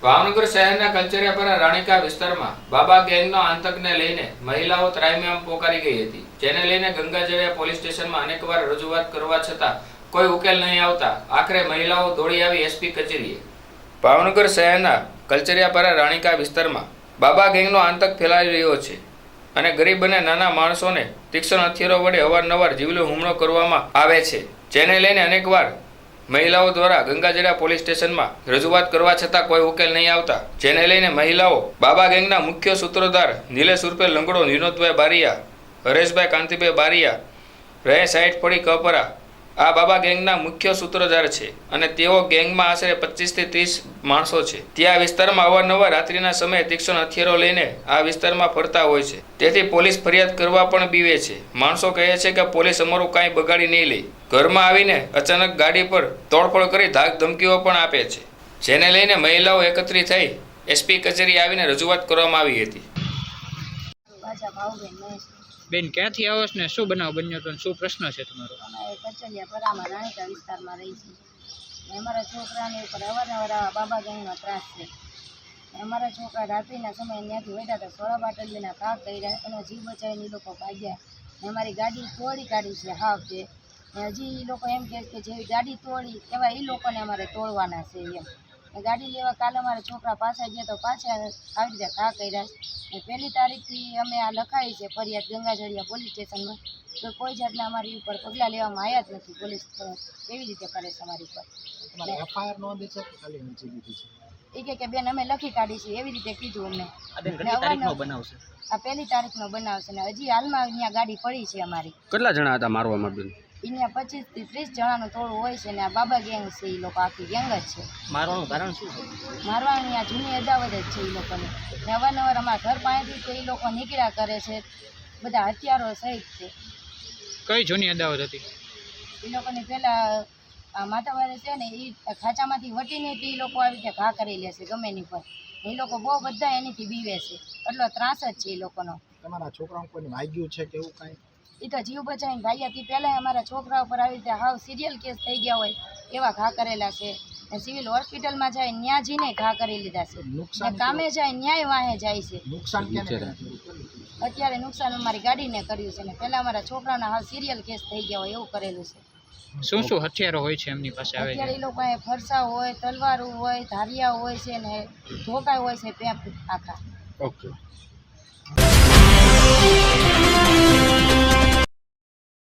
ભાવનગર શહેરના કલ્ચરિયાપરા રાણીકા વિસ્તારમાં બાબા ગેંગનો આતંકને લઈને મહિલાઓ ત્રાહિમામ પોકારી ગઈ હતી, જેને લઈને ગંગાજળિયા પોલીસ સ્ટેશનમાં અનેકવાર રજૂઆત કરવા છતાં કોઈ ઉકેલ નહીં આવતા આખરે મહિલાઓ દોડી આવી એસપી કચેરીએ। ભાવનગર શહેરના કલ્ચરિયાપરા રાણીકા વિસ્તારમાં બાબા ગેંગનો આતંક ફેલાઈ રહ્યો છે અને ગરીબ અને નાના માણસોને તીક્ષ્ણ હથિયારો વડે અવારનવાર જીવલેણ હુમલો કરવામાં આવે છે, જેને લઈને અનેકવાર મહિલાઓ દ્વારા ગંગાજળિયા પોલીસ સ્ટેશનમાં રજૂઆત કરવા છતાં કોઈ ઉકેલ નહીં આવતા, જેને લઈને મહિલાઓ બાબા ગેંગના મુખ્ય સૂત્રધાર નિલેશ ઉર્ફે લંગડો, વિનોદભાઈ બારિયા, હરેશભાઈ કાંતિભાઈ બારિયા, રહે 60 ફળી કપરા આ બાબા ગેંગના મુખ્ય સૂત્રધાર છે અને તેઓ ગેંગમાં આશરે 25 થી 30 માણસો છે। ત્યાં વિસ્તારમાં અવારનવાર રાત્રિના સમયે તીક્ષ્ણ હથિયારો લઈને આ વિસ્તારમાં ફરતા હોય છે, તેથી પોલીસ ફરિયાદ કરવા પણ બીવે છે। માણસો કહે છે કે પોલીસ અમારું કાંઈ બગાડી નહીં લે, ઘરમાં આવીને અચાનક ગાડી પર તોડફોડ કરી ધાક ધમકીઓ પણ આપે છે, જેને લઈને મહિલાઓ એકત્રિત થઈ એસપી કચેરી આવીને રજૂઆત કરવામાં આવી હતી। બેન ક્યાંથી આવો છો ને શું બનાવ બન્યો તો શું પ્રશ્ન છે તમારો? અમે કચરિયાપરામાં રાણીકા વિસ્તારમાં રહી છીએ। અમારા છોકરાને ઉપર અવારનવાર બાબા ગેંગનો ત્રાસ છે। અમારા છોકરા રાત્રિના સમયે ત્યાંથી વળ્યા હતા, સોળા બાટલીના ઘા કર્યા, એનો જીવ બચાવીને એ લોકો ભાગ્યા। અમારી ગાડી તોડી કાઢી છે હાવ છે। હજી એ લોકો એમ કહે કે જેવી ગાડી તોડી એવા એ લોકોને અમારે તોડવાના છે એમ। ગાડી લેવા કાલે અમારા છોકરા પાછા ગયા તો પાછા આવી રીતે ઘા કર્યા। 1 તારીખથી અમે આ લખાઈ છે ફરિયાદ ગંગાજળિયા પોલીસ સ્ટેશનમાં, તો કોઈ જાતના અમારી ઉપર પગલાં લેવામાં આવ્યા જ નથી। પોલીસ કેવી રીતે કરે છે અમારી ઉપર? એફઆઈઆર નોંધી છે કે ખાલી અરજી દીધી છે? એ કે બેન અમે લખી કાઢી છે એવી રીતે કીધું અમને। આ કેટલી તારીખનો બનાવ છે? આ 1 તારીખનો બનાવ છે ને હજી હાલમાં અહીંયા ગાડી પડી છે અમારી। કેટલા જણા હતા મારવામાં બેન? અહીંયા 25 થી 30 જણાનું ટોળું હોય છે ને આ બાબા ગેંગ છે, એ લોકો આખી ગેંગ જ છે। મારવાનું કારણ શું છે? મારવાની આ જૂની અદાવત જ છે એ લોકોની, ને અવારનવાર અમારા ઘર પાસેથી તો એ લોકો નીકળ્યા કરે છે, બધા હથિયારો સહિત છે। કઈ જૂની અદાવત હતી? એ લોકોની પહેલાં આ માતાવારે છે ને એ ખાંચામાંથી વટીને એ લોકો આવી રીતે ઘા કરી લે છે ગમે એની પર। એ લોકો બહુ બધા એનીથી બીવે છે, એટલો ત્રાસ જ છે એ લોકોનો। તમારા છોકરાઓ કોઈને વાગ્યું છે કે એવું કાંઈ? એ તો જીવ બચાવીને ભાગ્યાથી પહેલાં અમારા છોકરા ઉપર આવી રીતે હાવ સિરિયલ કેસ થઈ ગયા હોય એવા ઘા કરેલા છે। સિવિલ હોસ્પિટલમાં જાય ત્યાં જઈને ઘા કરી લીધા છે, કામે જાય ન્યાય વાહે જાય છે। નુકસાન ક્યાં? અત્યારે નુકસાન અમારી ગાડીને કર્યું છે ને પહેલાં અમારા છોકરાના હાવ સિરિયલ કેસ થઈ ગયા હોય એવું કરેલું છે। શું શું હથિયારો હોય છે એમની પાસે? આવે અત્યારે એ લોકો પાસે ફરસા હોય, તલવારો હોય, ધારિયા હોય છે ને ધોકા હોય છે, પેપ આખા। ઓકે।